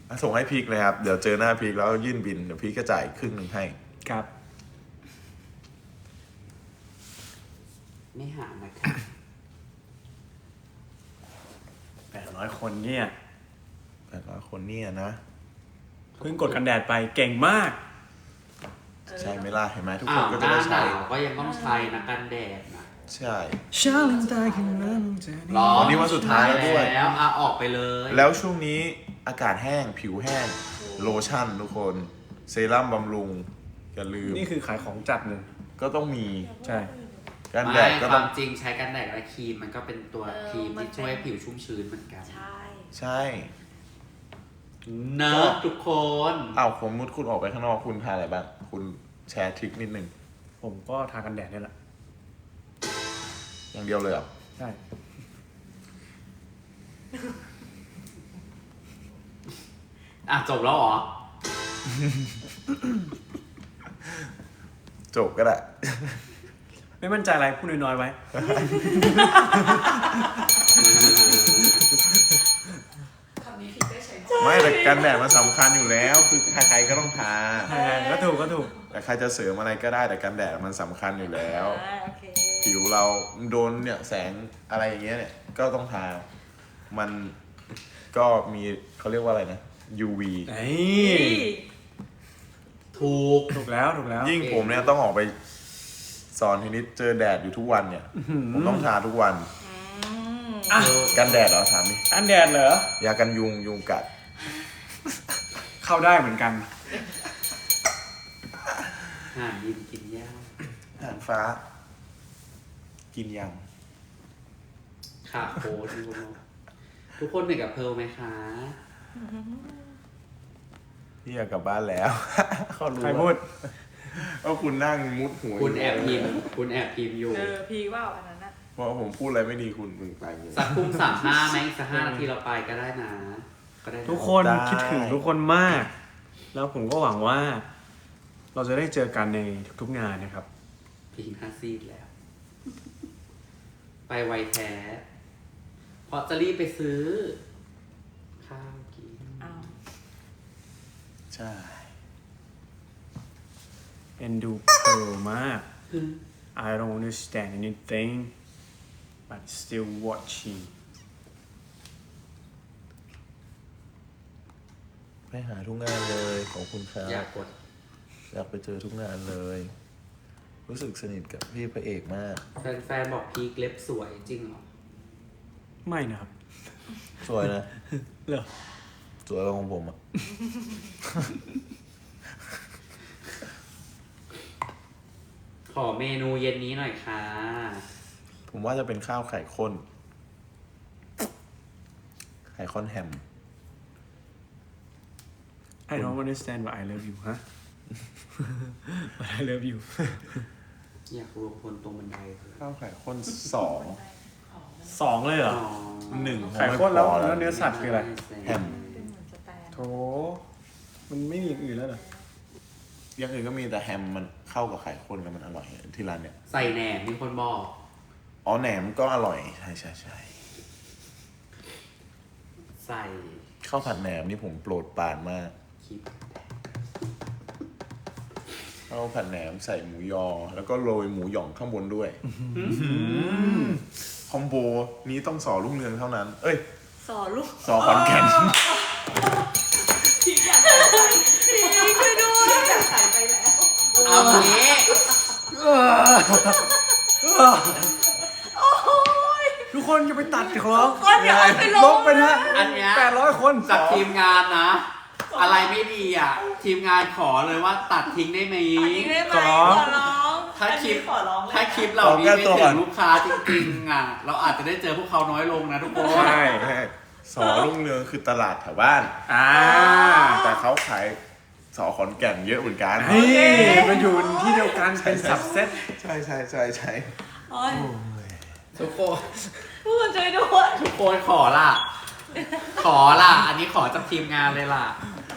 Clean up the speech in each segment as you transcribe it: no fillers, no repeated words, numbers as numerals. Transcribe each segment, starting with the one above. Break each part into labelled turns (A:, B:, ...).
A: ส่งให้พีคเลยครับเดี๋ยวเจอหน้าพีคแล้วยื่นบินเดี๋ยวพีคก็จ่ายครึ่งหนึ่งให้
B: ครับ
C: ไม่หานะครับ
B: 800 คนเนี่ย
A: 800 คนเนี่ยนะ
B: เพิ่งกดกันแดดไปเก่งมาก
A: ใช่ไหมล่ะเห็นไหมทุกคนก็จะได้ใช้
C: ก็ยังต้องใช้นะกันแดดนะ
A: ใช่
B: ชาลิงตายกันนั้น
A: วันนี้วันสุดท้ายแล้วด้วย
C: แล้วออกไปเลย
A: แล้วช่วงนี้อากาศแห้งผิวแห้งโลชั่นทุกคนเซรั่มบำรุงอย่าลืม
B: นี่คือขายของจัดหนึ่ง
A: ก็ต้องมี
B: ใช่
A: กันแดดก็
C: ต้องจริงใช้กันแดดและครีมมันก็เป็นตัวครีมที่ช่วยผิวชุ่มชื้นเหมือนกัน
A: ใช่
C: เนอะทุกคน
A: ผมมุดคุณออกไปข้างนอกคุณทาอะไรบ้างคุณแชร์ทริคนิดนึง
B: ผมก็ทากันแดดนี่แหละ
A: อย่างเดียวเลยเหรอ
B: ใช่
C: จบแล้วเหรอ
A: จบก็ได้
B: ไม่มั่นใจอะไรพูดน้อยๆไว้
A: ไม่แต่กันแดดมันสำคัญอยู่แล้วคือใครๆก็ต้องทา
B: ก็ถูก
A: แต่ใครจะเสริมอะไรก็ได้แต่กันแดดมันสำคัญอยู่แล้วผิวเราโดนเนี่ยแสงอะไรอย่างเงี้ยเนี่ยก็ต้องทามันก็มีเขาเรียกว่าอะไรนะ UV
C: ถูก
B: แล้ว
A: ยิ่งผมเนี่ยต้องออกไปสอนทีนิดเจอแดดอยู่ทุกวันเนี่ยผมต้องทาทุกวันกันแดดเหรอถามดิ
B: กันแดดเหร
A: อยากันยุงกัด
B: เข้าได้เหมือนกัน
C: ห่านยินกินย่า
A: ห่านฟ้ากินยัง
C: ค่ะโค้ดทุกคนเหนื่อยกับเพร์ลไหมคะ
A: พี่อยากกลับบ้านแล้วเขารู้
B: ใครพูด
A: ว่าคุณนั่งมุดหัว
C: คุณแอบพิมพ์อยู่
D: พีว่าอันนั้นนะ
A: เพราะผมพูดอะไรไม่ดีคุณไป
C: สักทุ่ม35ไหมสัก5 นาทีเราไปก็ได้นะ
B: ทุกคนคิดถึงทุกคนมากแล้วผมก็หวังว่าเราจะได้เจอกันในทุกๆงานนะครับ
C: พีค5 ซีดแล้วไปไวแท้เพราะจะรีบไปซื้อข้าวกิน
A: ใช่
B: เอ็นดูเพร์ลมาก I don't understand anything but still watching
A: ไปหาทุกงานเลยของคุณครับ
C: อย
A: ากไปเจอทุกงานเลยรู้สึกสนิทกับพี่พระเอกมาก
C: แฟนบอกพีคเล็บสวยจริงเหรอ
B: ไม่นะครับ
A: สวยนะ
B: เหรอ
A: สวยกว่าของผมอ่ะ
C: ขอเมนูเย็นนี้หน่อยค่ะ
A: ผมว่าจะเป็นข้าวไข่ข้นแฮม
B: I don't understand but I love you ฮะ but I love you
C: อยากรวมพลตรงบันได
A: ข้าวไข่ข้น
B: 2เลยเหรอ
A: 1
B: ไข่ข้นแล้วเนื้อสัตว์คืออะไร
A: แฮม
B: โธ่มันไม่มีอย่างอื่นแล้วเหรอ
A: อย่างอื่นก็มีแต่แฮมมันเข้ากับไข่ข้นแล้วมันอร่อยที่ร้านเนี่ย
C: ใส่แหนมมีคนบอก
A: แหนมก็อร่อยใช่
C: ใส่
A: ข้าวผัดแหนมนี่ผมโปรดปรานมากข้าวผัดแหนมใส่หมูยอแล้วก็โรยหมูหย่องข้างบนด้วยคอมโบนี้ต้องสอลูกเรืองเท่านั้น
D: สอลูก
A: สอขอนแก่น
D: พี่อยากใส่ไปพี่ช่วยด้วยอยากใส่ไปแล้ว
C: เอางี้
B: ทุกคนอย่าไปตัดเขา
D: ก็อย่าไปลบ
B: ไปนะ
C: อันเนี้ย
B: 800 คน
C: จากทีมงานนะอะไรไม่ดีอ่ะทีมงานขอเลยว่าตัดทิ้งได้ไหม
D: ขอร้อง
C: ถ้าคลิปเรานี้ไม่ถึงลูกค้าจริงๆอ่ะเราอาจจะได้เจอพวกเขาน้อยลงนะทุกคน
A: ใช่สอรุ่งเรืองคือตลาดแถวบ้านแต่เขาขายสอขอนแก่นเยอะเหมือนกัน
B: มันอยู่ที่เดียวกันเป็นสับเซต
A: ใช่
C: ทุกคน
D: ช่วยด้วย
C: ทุกคนขอล่ะอันนี้ขอจากทีมงานเลยล่ะ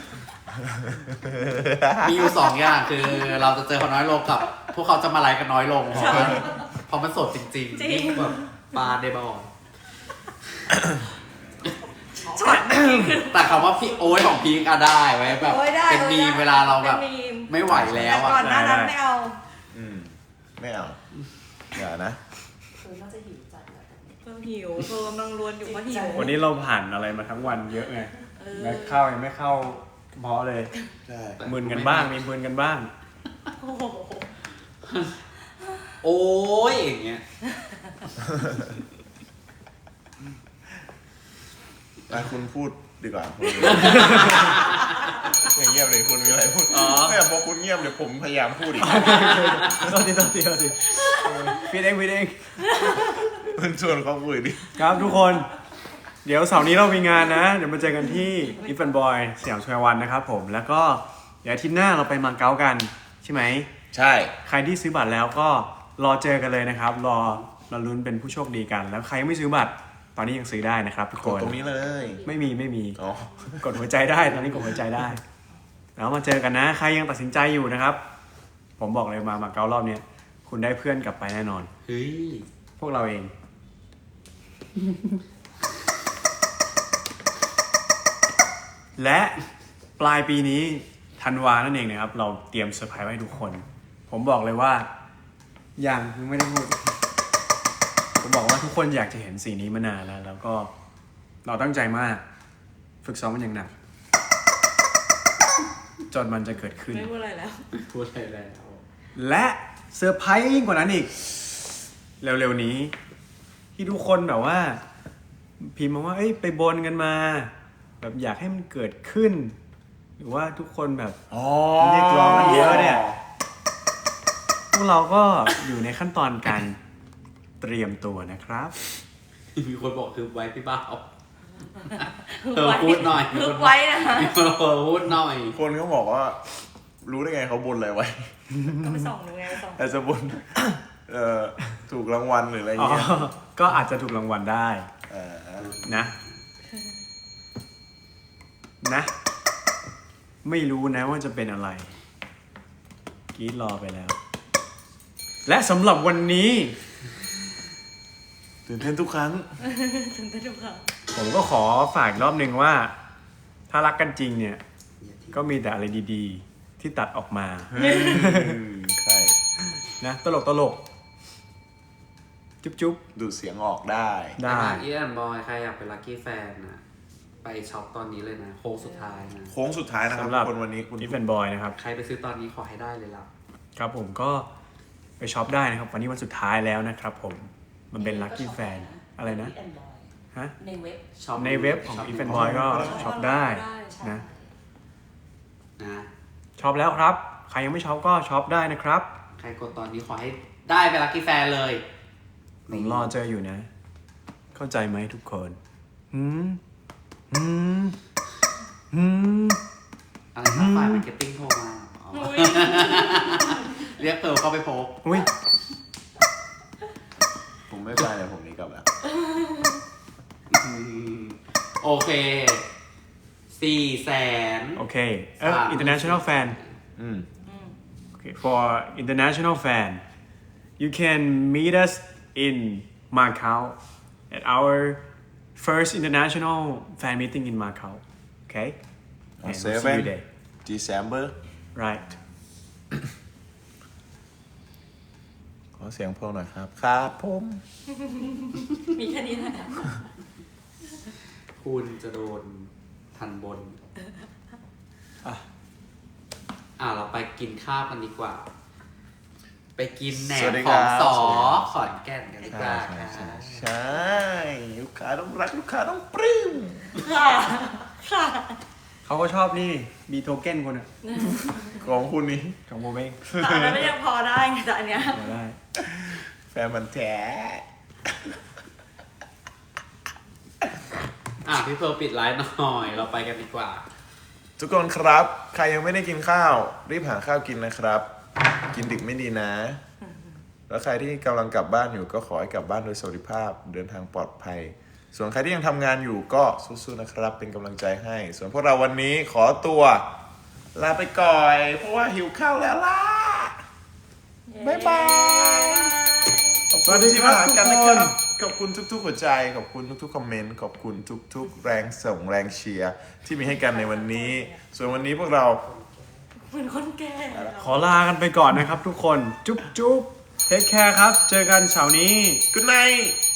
C: มีอยู่2 อย่างคือเราจะเจอเขาน้อยลงกับพวกเขาจะมาไลฟ์กันน้อยลงเพราะมันสดจริงๆนี่แบบปลาเดบอล
D: ช็อต
C: แต่คำว่าพี่โอ๊ยของพีกอะได้ไว้แบบ
D: โอ้ยได้
C: เป็นมีมเวลาเราแบบ
D: เป็นมีม
C: ไม่ไหวแล้ว
D: แต่ก่อนหน้านั้นไม่เอา
A: ไม่เอาอย่านะ
D: น่าจะหิวจัดเพิ่มหิวเพิ่มกำลังรวนอยู่เพราะหิว
B: วันนี้เราผ่านอะไรมาทั้งวันเยอะไงแม้เข้ายังไม่เข้าเพราะเลย
A: ใช่
B: มึนกันบ้างมีมึนกันบ้าง
D: โอ้โห
C: โอ๊ยอย่างเงี้ย
A: คุณพูดดีกว่าคุณอย่างเงียบเลยคุณมีอะไรพูดไม่พอคุณเงียบเดี๋ยวผมพยายามพูดอีก
B: โทษทีพี่เอง
A: คุณชวนเขาคุยดิ
B: ครับทุกคน เดี๋ยวเสาร์นี้เรามีงานนะ เดี๋ยวมาเจอกันที่อีฟแอนด์บอยสยามสแควร์วันนะครับผมแล้วก็เดี๋ยวอาทิตย์หน้าเราไปมาเก๊ากันใช่ไหม
A: ใช่
B: ใครที่ซื้อบัตรแล้วก็รอเจอกันเลยนะครับรอลุ้นเป็นผู้โชคดีกัน แล้วใครยังไม่ซื้อบัตรตอนนี้ยังซื้อได้นะครับทุก
A: ก
B: ค
A: ด
B: น
A: ตรงนี้เลย
B: ไม่มี
A: อ๋อก
B: ดหัวใจได้ตอนนี้กดหัวใจได้ แล้วมาเจอกันนะ ใครยังตัดสินใจอยู่นะครับ ผมบอกเลยมาเก๊ารอบเนี้ยคุณได้เพื่อนกลับไปแน่นอน
C: เฮ้ย
B: พวกเราเอง และปลายปีนี้ธันวานั่นเองนะครับ เราเตรียมเซอร์ไพรส์ไว้ให้ทุกคน ผมบอกเลยว่ายังไม่ได้พูด ผมบอกว่าทุกคนอยากจะเห็นสีนี้มานานแล้วก็เราตั้งใจมาก ฝึกซ้อมมันอย่างหนัก จนมันจะเกิดขึ้น
D: ไม่พูดอะไรแล้ว
C: พูดอะไรแล้ว
B: และเซอร์ไพรส์ยิ่งกว่านั้นอีก เร็วๆนี้ ที่ทุกคนแบบว่า พิมพ์มาว่าเอ้ยไปบนกันมา แบบอยากให้มันเกิดขึ้น หรือว่าทุกคนแบบเรียกร้องกันเยอะเนี่ยพวกเราก็อยู่ในขั้นตอนการเตรียมตัวนะครับ
C: มีคนบอกคือไว้พี่บ้าพูดหน่อย
D: พึกไว้นะคะ
C: มีคนพูดหน่อย
A: คนเขาบอกว่า รู้ได้ไงเขาบนอะไรไว้
D: ก็ไปส่องดูไงไปส่อง
A: แต่จะบนถูกรางวัลหรืออะไรอย่าง
B: อ๋อ
A: เงี้ย
B: ก็อาจจะถูกรางวัลได้ นะ นะ ไม่รู้นะว่าจะเป็นอะไรกรีดรอไปแล้ว และสำหรับวันนี้
A: ตื่นเต้นทุกครั้ง
D: ถึงจะดูค่ะ
B: ผมก็ขอฝากอีกรอบหนึ่งว่า ถ้ารักกันจริงเนี่ย ก็มีแต่อะไรดีๆ ที่ตัดออกมา
A: ใช่
B: นะตลกจุ๊บ
A: ดูดเสียงออกได้
B: ๆ ได้
C: อีแอนบอยใครอยากเป็นลัคกี้แฟนนะไปช็อปตอนนี้เลยนะโค้งสุดท้ายนะ
A: โค้งสุดท้ายนะครับ
B: สำหรับ
A: คนวันนี้คุณ
B: อีฟแอนด์บอยนะครับ
C: ใครไปซื้อตอนนี้ขอให้ได้เลยล่ะ
B: ครับผมก็ไปช็อปได้นะครับ วันนี้วันสุดท้ายแล้วนะครับผม มันเป็นลัคกี้แฟนอะไรนะ ฮะ
D: ในเว็บ
C: ช็อป
B: ในเว็บของ
C: ช็ป
B: อีฟแอนด์บอยก็ช็อปได้นะ
C: นะ
B: ช็อปแล้วครับ ใครยังไม่ช็อปก็ช็อปได้นะครับ
C: ใครกดตอนนี้ขอให้ได้เป็นลัคกี้แฟนเลย
B: ผมรอเจออยู่นะ เข้าใจไหมทุกคนหืม
C: อะไรครับฝ่ายมาร์เก็ตติ้งโทรมาอ๋อเรียกเติร์เข้าไปพบ
B: อุ้ย
A: ผมไม่ไปเลยผมนี้กลับแล้ว
C: โอเค400,000
B: โอเคinternational fan
A: อืม
B: okay for international fan you can meet us in Macau at our first international fan meeting in Macau okay and we'll see you
A: 7
B: there
A: December
B: right
A: ขอเสียงพวกหน่อยครับ ครับผม
D: มีแค่นี้แหละ
C: คุณจะโดนทันบน เราไปกินข้าวกันดีกว่า ไปกินแหนมของสอขอนแก่นกันดีกว่าค่ะ
A: ใช่ลูกค้าต้องรักลูกค้าต้องปลื้ม
D: ค่ะค่ะ
B: เขาก็ชอบนี่มีโทเก้นคนอ่ะ
A: ของคุณนี่
B: ของโมเบ้ง
D: แต่อันนั้นไม่ยังพอได้ไงแต่อันเนี้ย
B: ได้
A: แฟนมันแท้
C: พี่เพิร์ลปิดไลฟ์หน่อย เราไปกันดีกว่า
A: ทุกคนครับ ใครยังไม่ได้กินข้าว รีบหาข้าวกินนะครับ กินดึกไม่ดีนะ แล้วใครที่กำลังกลับบ้านอยู่ก็ขอให้กลับบ้านโดยสวัสดิภาพเดินทางปลอดภัย ส่วนใครที่ยังทำงานอยู่ก็สู้ๆนะครับ เป็นกำลังใจให้ ส่วนพวกเราวันนี้ขอตัวลาไปก่อนเพราะว่าหิวข้าวแล้วล่ะ บ๊ายบายขอบ
B: ส
A: คุ
B: วั
A: ณ
B: สดี
A: ที่
B: ครั
A: มา
B: บ
A: หา
B: ทุก
A: กัน
B: ค
A: นะ
B: น
A: ครับขอบคุณทุกๆหัวใจขอบคุณทุกๆคอมเมนต์ขอบคุณทุกๆแรงส่งแรงเชียร์ที่มีให้กันในวันนี้ ส่วนวันนี้พวกเรา
D: เหมือนคนแก่
B: ขอลากันไปก่อนนะครับทุกคน จุ๊บจุ๊บเทคแคร์ครับ เจอกันเสาร์นี้
A: Good night